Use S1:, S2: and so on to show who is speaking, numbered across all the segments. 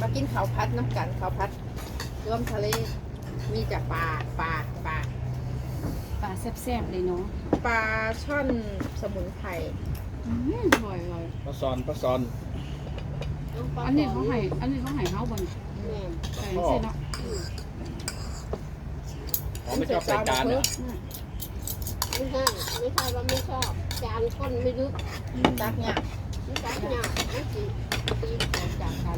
S1: กินข้าวพัดน้ำกันข้าวพัดรวมทะเลมีจากปลา
S2: แซ่บๆเลยเนาะ
S1: ปลาช่อนสมุนไพร
S2: อร่อย
S3: ปลาซอน
S2: อันนี้เขาให้เฮาบ่น
S1: แม่น
S2: ใส่เส้นเนาะ
S3: อ๋อไม่ชอบใส่จานเหรอ
S4: ไม่ใช่ว่าไม่ชอบจานก้นไม่ลึก
S1: ตักเนี่ย
S4: ไม่ตักหยาบไม่จีตีแตกจากกัน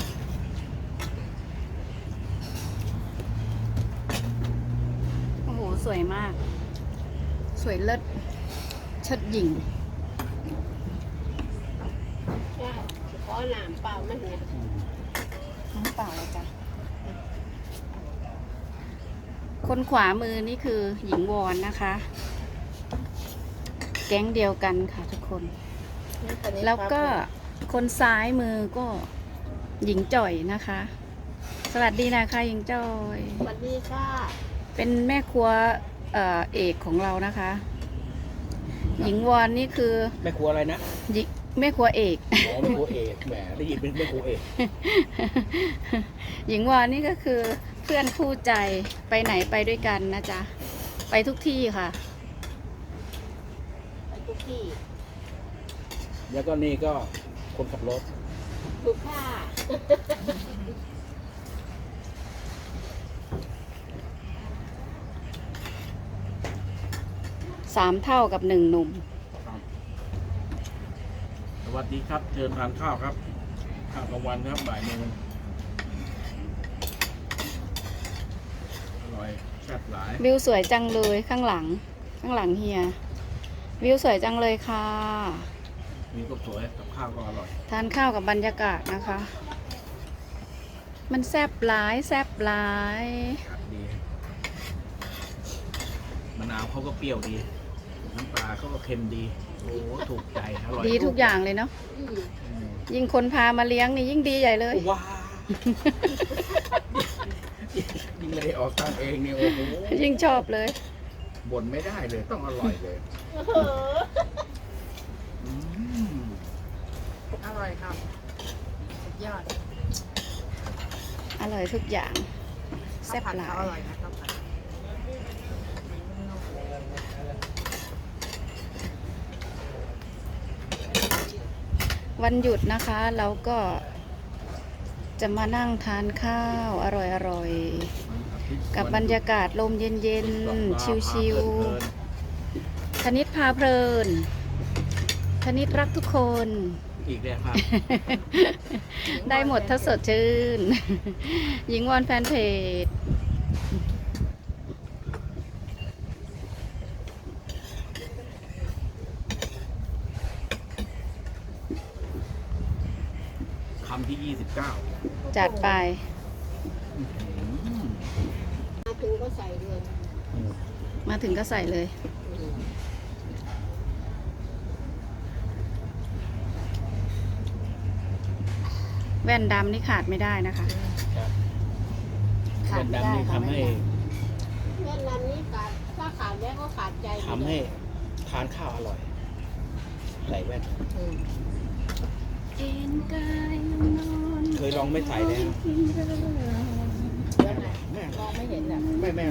S2: โอ้โหสวยมาก สวยเลิศเชิดหญิง
S4: ใช่ขอหนามเปล่ามันเนี่ย
S2: น้ำเปล่าเลยจ้ะคนขวามือนี่คือหญิงวอนนะคะ แก๊งเดียวกันค่ะทุกคน แล้วก็คนซ้ายมือก็หญิงจ่อยนะคะ สวัสดีนะคะหญิงจ่อย
S4: สวัสดีค่ะ
S2: เป็นแม่ครัวเอกของเรานะคะ หญิงวอนนี่คือ
S3: แม่ครัวอะไรนะ
S2: หญิงแม่ครัวเอก
S3: อ๋อแม่ครัวเอกแหมได้ยินเป็นแม่ครัวเอก
S2: หญิงวอนนี่ก็คือเพื่อนคู่ใจไปไหนไปด้วยกันนะจ๊ะ ไปทุกที่ค่ะ
S4: ไปทุกที่
S3: แล้วก็นี่ก็คนขับรถ
S4: ถูกค่ะ
S2: 3 เท่ากับ 1 หนุ่ม
S3: สวัสดีครับเชิญทานข้าวครับข้าวกลางวันครับบ่ายโมงอร่อยแซ่บหลาย
S2: วิวสวยจังเลยข้างหลังเฮีย วิวสวยจังเลยค่ะ
S3: มีก็สวยกับข้าวก็อร่อย
S2: ทานข้าวกับบรรยากาศนะคะ มันแซบหลายแซบหลาย
S3: ครับดีมะนาวเขาก็เปรี้ยวดีน้ำปลาเขาก็เค็มดีโอ้ถูกใจอร่อย
S2: ดีทุกอย่างเลยเนาะ
S4: อืม
S3: อืม
S2: ยิ่งคนพามาเลี้ยงนี่ยิ่งดีใหญ่เลย
S3: ว้ายิ่งไม่ได้ออกตังค์เองเนี่ยโอ้โห
S2: ยิ่งชอบเลย
S3: บ่นไม่ได้เลยต้องอร่อยเลย
S4: โอ้โห
S3: อืม
S1: อร่อยครับสุดยอด
S2: อร่อยทุกอย่างแซ่บ
S1: ข้าวผัด
S2: หลา
S1: เขาอย ร่อยนะข้าวผัด
S2: วันหยุดนะคะเราก็จะมานั่งทานข้าวอร่อยๆ กับบรรยากาศลมเย็นๆ ชิวๆธนิตพาเพลินธนิตรักทุกคน
S3: อีกแล้วครับ
S2: ได้หมดถ้าสดชื่น หญิงวอนแฟนเพจ
S3: คำที่ 29
S2: จัดไป
S4: มาถึงก็ใส่เลย
S2: มาถึงก็ใส่เลย
S4: อืม
S2: แว่นดำนี่ขาดไม่ได้นะคะ ขา
S3: แว่
S2: ด
S3: น
S2: ไม่
S3: ดำ
S2: ได้
S3: นี่
S2: ค่ะ
S3: ทำให้
S4: แม่นั้นนี่ขาดถ้าขาดแล้วก็ขาดใจ
S3: ทำให้ทานข้าวอร่อย ใส่แว่น
S2: เอ็นกายนอน
S3: เคยลองไม่ใส่แล้ว
S1: แล้วไหน
S3: แม่
S1: มองไม่เห็นอ่ะ
S3: ไม่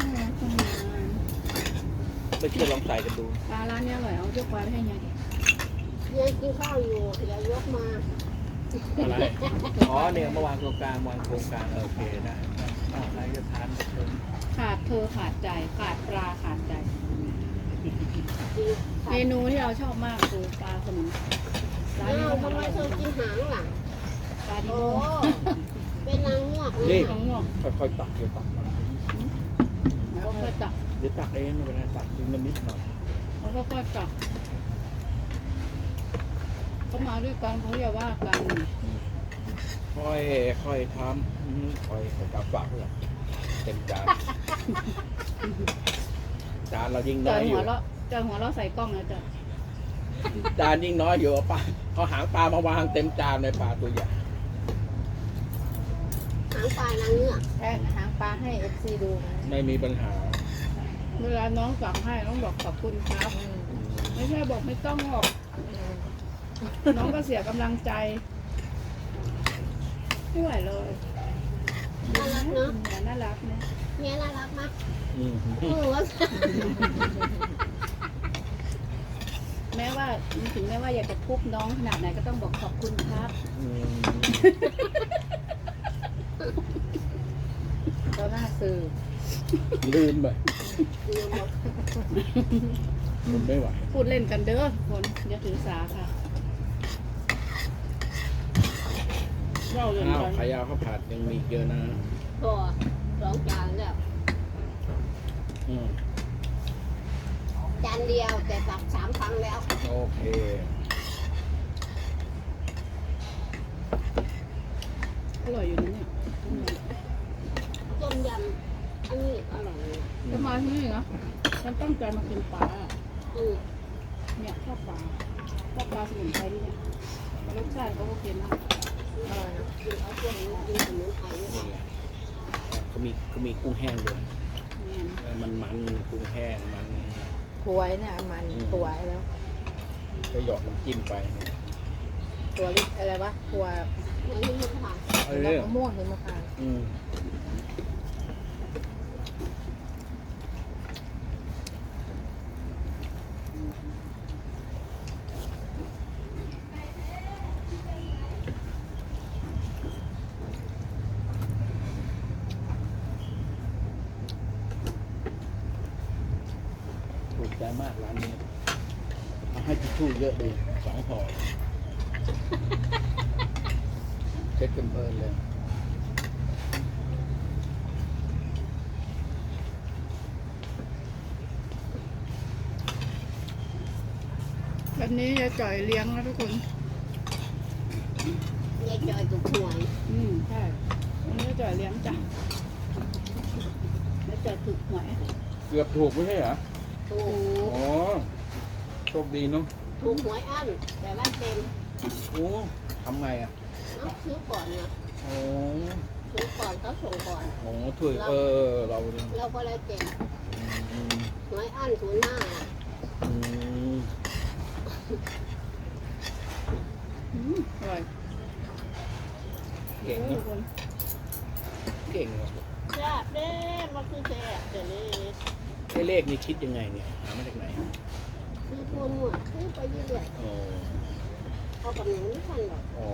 S3: ไปช่วยลองใส่กันดู
S2: ปลาร้านนี้อร่อยเอายกปลาไปให้ยายดิ
S4: ยังกินข้าวอยู่อย่ายกมา
S3: อะไร อ๋อเนี่ยเมื่อวานโครงการวางโครงการโอเคได้อะไรจะทานกับเธอ
S2: ขาดเธอขาดใจขาดปลาขาดใจ เม
S4: กิน
S2: นูที่เราชอบมากคือปลาสมุนไพรร้าน
S4: อ้า
S2: นี้
S4: ว
S2: ก็
S4: ทำไม
S2: ทำ
S4: เธอกินหางล่ะ
S2: ปลาดิ
S4: โอ้
S2: โบ
S4: เป็นนางเงือกเลย
S3: นี่
S2: ของงอก
S3: ค่อยๆตักเดี๋ยวตักมา
S2: แล้วก็จับ
S3: เดี๋ยวตักเองไม่เป็นไรตักทีละนิดหน่อย
S2: แล้วก็จับเขามาด้วยกันเขาอย่าว่ากัน
S3: ค่อยทำค่อยจับฝากเพื่อนเต็มจานจานเรายิ่ง
S2: เจ
S3: น้
S2: อ
S3: อยอ
S2: หั
S3: ยู่
S2: วเราะเจอหัวเราะใส่กล้องนะจ๊ะ
S3: จานยิ่งน้อยอยู่เอาปลาเอาหางปลามาวางเต็มจานเลยปลาตัวใหญ่
S4: หางปลานางเงือก
S1: แค่หางปลาให้เอฟซีดูนะ
S3: ไม่มีปัญหา
S2: เวลาน้องสั่งให้น้องบอกขอบคุณครับ ไม่ใช่บอกไม่ต้องหรอก น้องก็เสียกำลังใจไม่ไหวเลย
S4: น่ารักเนาะ
S2: น่ารักนะ
S4: เนี่ยน่ารักมาก
S3: อืม
S4: ว่า
S2: แม้ว่าถึงแม้ว่าอยากจะทุบน้องขนาดไหนก็ต้องบอกขอบคุณครับ
S3: อืม
S1: ก็หน้าสื่อ
S3: ลืมไป
S4: ลืมหมด
S3: มันไม่ไหว
S2: พูดเล่นกันเด้อคนอย่าถือสาค่ะเราเล่น
S3: ข้าว
S2: กัน
S3: ขายาวข้าวผัดยังมีเยอะนะ
S4: พอ2 จานแล้ว
S3: อืม
S4: จานเดียวแต่ตัก3 ครั้งแล้ว
S3: โอเค
S2: อร่อยอยู่นะเนี่ย
S4: ต้มยำอันนี้อร่อยเลย
S2: จะมาที่นี่นะฉันตั้งใจมากินปลา
S4: อืม
S2: เนี่ยชอบปลาสมุนไพรที่เนี่ยรสชาติเขาโอเคมาก
S1: อร่อยนะ
S4: กินเอาพวกนี้กินสมุนไพรนี่
S3: นี่ไงเขามีกุ้งแห้งด้วย
S2: เนี่ย
S3: มันกุ้งแห้งมัน
S1: ถวยเนี่ยมันถวยแล้ว
S3: ก็หยอดน้ำจิ้มไปเนี่ย
S1: ตัวลิอะไรวะตัว
S4: อันนี้มันผ่าน
S3: เอ
S1: ดอก
S3: อ
S1: มะม่วงหิมพานต์
S3: อืมถูกใจมากร้านนี้เอาให้ทิชชู่เยอะดี2 ห่อเช็ดกันเพลินเลย
S2: วันนี้จะจ่อยเลี้ยงนะทุกคน
S4: ยายจอยถูกหวย
S2: ใช่วันนี้จะจ่อยเลี้ยงจ้ะแล้วจ่อยถูกหวย
S3: เกือบถูกไม่ใช่เหรอ
S4: ถูก
S3: อ๋อ โชคดีเนาะ
S4: ถูกหวยอั้นแต่ว่าเต็ม
S3: โอ้ทำไงอ่ะ
S4: เอาซื้อก่อนนะ
S3: โอ้
S4: ซื้อก่อนเขาส่งก่อน
S3: โหถุยเราเนี่ย
S4: เราก็เลยเต็ม
S3: อืม
S4: หวยอั้น05น่ะ
S3: อืม
S2: อร่อย
S3: เก่ง
S2: ทุ
S3: เนาะ
S2: กคน
S3: เก่งเนาะ
S4: แซ่บเด้มันคือแซ่บเดี๋ยวนี้
S3: ไอ้เลขนี่คิดยังไงเนี่ย หามาจากไหน
S4: ซื้อตัวหมวดซื้อไปเรื่อย
S3: อ๋อ
S4: ๆเอากับหนูไม่ทันหรอก
S3: อ๋อ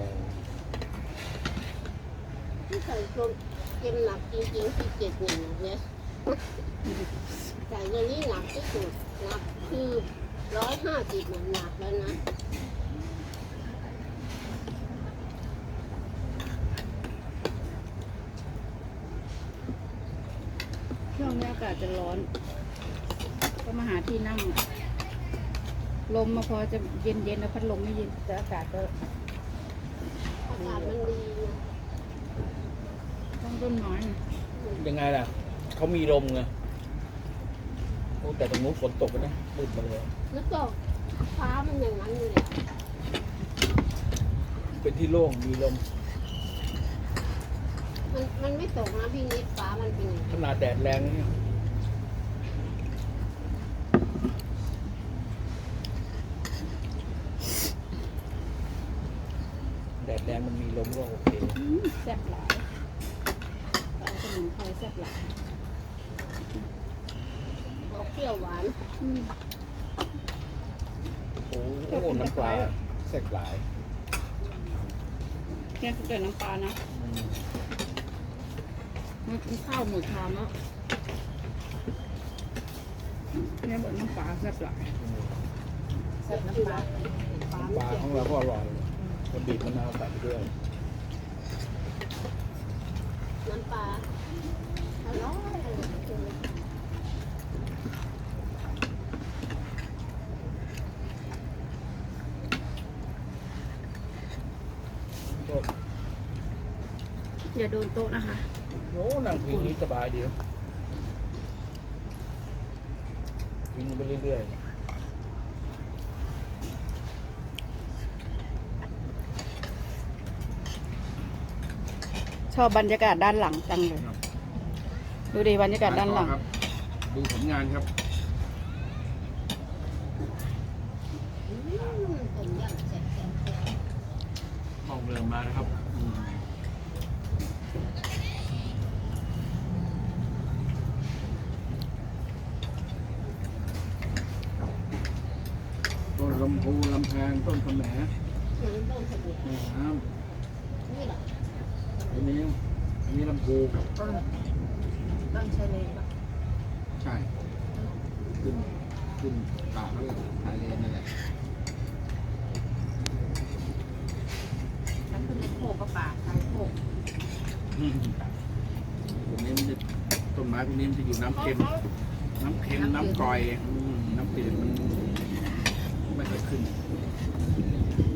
S4: ที่ใส่ตัวเต็มหนักจริงๆที่71เนี่ยใส่ตัวนี้หนักที่สุดหนักคือ150มันหนักแล้วนะ
S2: ช่วงนี้อากาศจะร้อน ก็มาหาที่นั่ง ลมมาพอจะเย็นๆแล้วพัดลมไม่เย็น
S1: แต่อากาศก็
S4: อากาศมันดีนะ
S2: ต้องต้นไม้นะ
S3: ยังไงล่ะ เขามีลมไงโอ้แต่ตรงนู้นฝนตกไปนะมืดมาเลย
S4: แล้วก็ฟ้ามันอย่างนั้นเลยอะ
S3: เป็นที่โล่ง มีลม
S4: มันไม่ตกนะพี่นิดฟ้ามันเป็นอย่าง
S3: ข
S4: นี้
S3: นาดแดดแรงเนี่ยแดดแรงมันมีลมก็โอเค
S2: แซ่บหลายปลาสมุนไพรแซ่บหลาย
S4: ออกเปรี้ยวหวาน
S3: โอ้โหน้ำปลาแซ่บหลาย
S2: แค่แต่น้ำปลานะ
S3: อืม
S2: มันข้าวหมูชามแล้วเนี่ยบอกน้ำปลาแซ่บหลาย
S1: ใส่น้ำปลา
S4: ฟ้า
S3: น้ำป
S4: ไม่
S3: ลา
S4: เค็
S3: ขอ
S4: ม
S3: งเราก็อร่อยเราบีบมะนาวใส่ไปด้วย
S4: น้ำปลาอร่อย
S2: อย่าโดนโต๊ะนะคะ
S3: โอ้นั่งพิงนี้สบายดีพิงไปเรื่อย
S2: ชอบบรรยากาศด้านหลังจังเลย ดูดิบรรยากาศด้านหลัง
S3: ครับดูผลงานครับ
S4: ต้มยำแซ่บ
S3: มองเรือมานะครับมพูลำแพงต้นกระแหม
S4: มันต้องสมุด
S3: แม่น้
S4: นี่แหละ
S3: ำอันนี้ลำพู
S1: ต้นชะเลปะ
S3: ใช่ขึ้นป่าเขาเลยทะเลนั่นแหละ
S1: ถ้าขึ้นในโคกก็ป่าชายโคก
S3: ตรงนี้มันจะต้นไม้พวกนี้มันจะอยู่น้ำเค็ม น้ำกร่อยน้ำเปลี่ยนมันไม่ค่อยขึ้น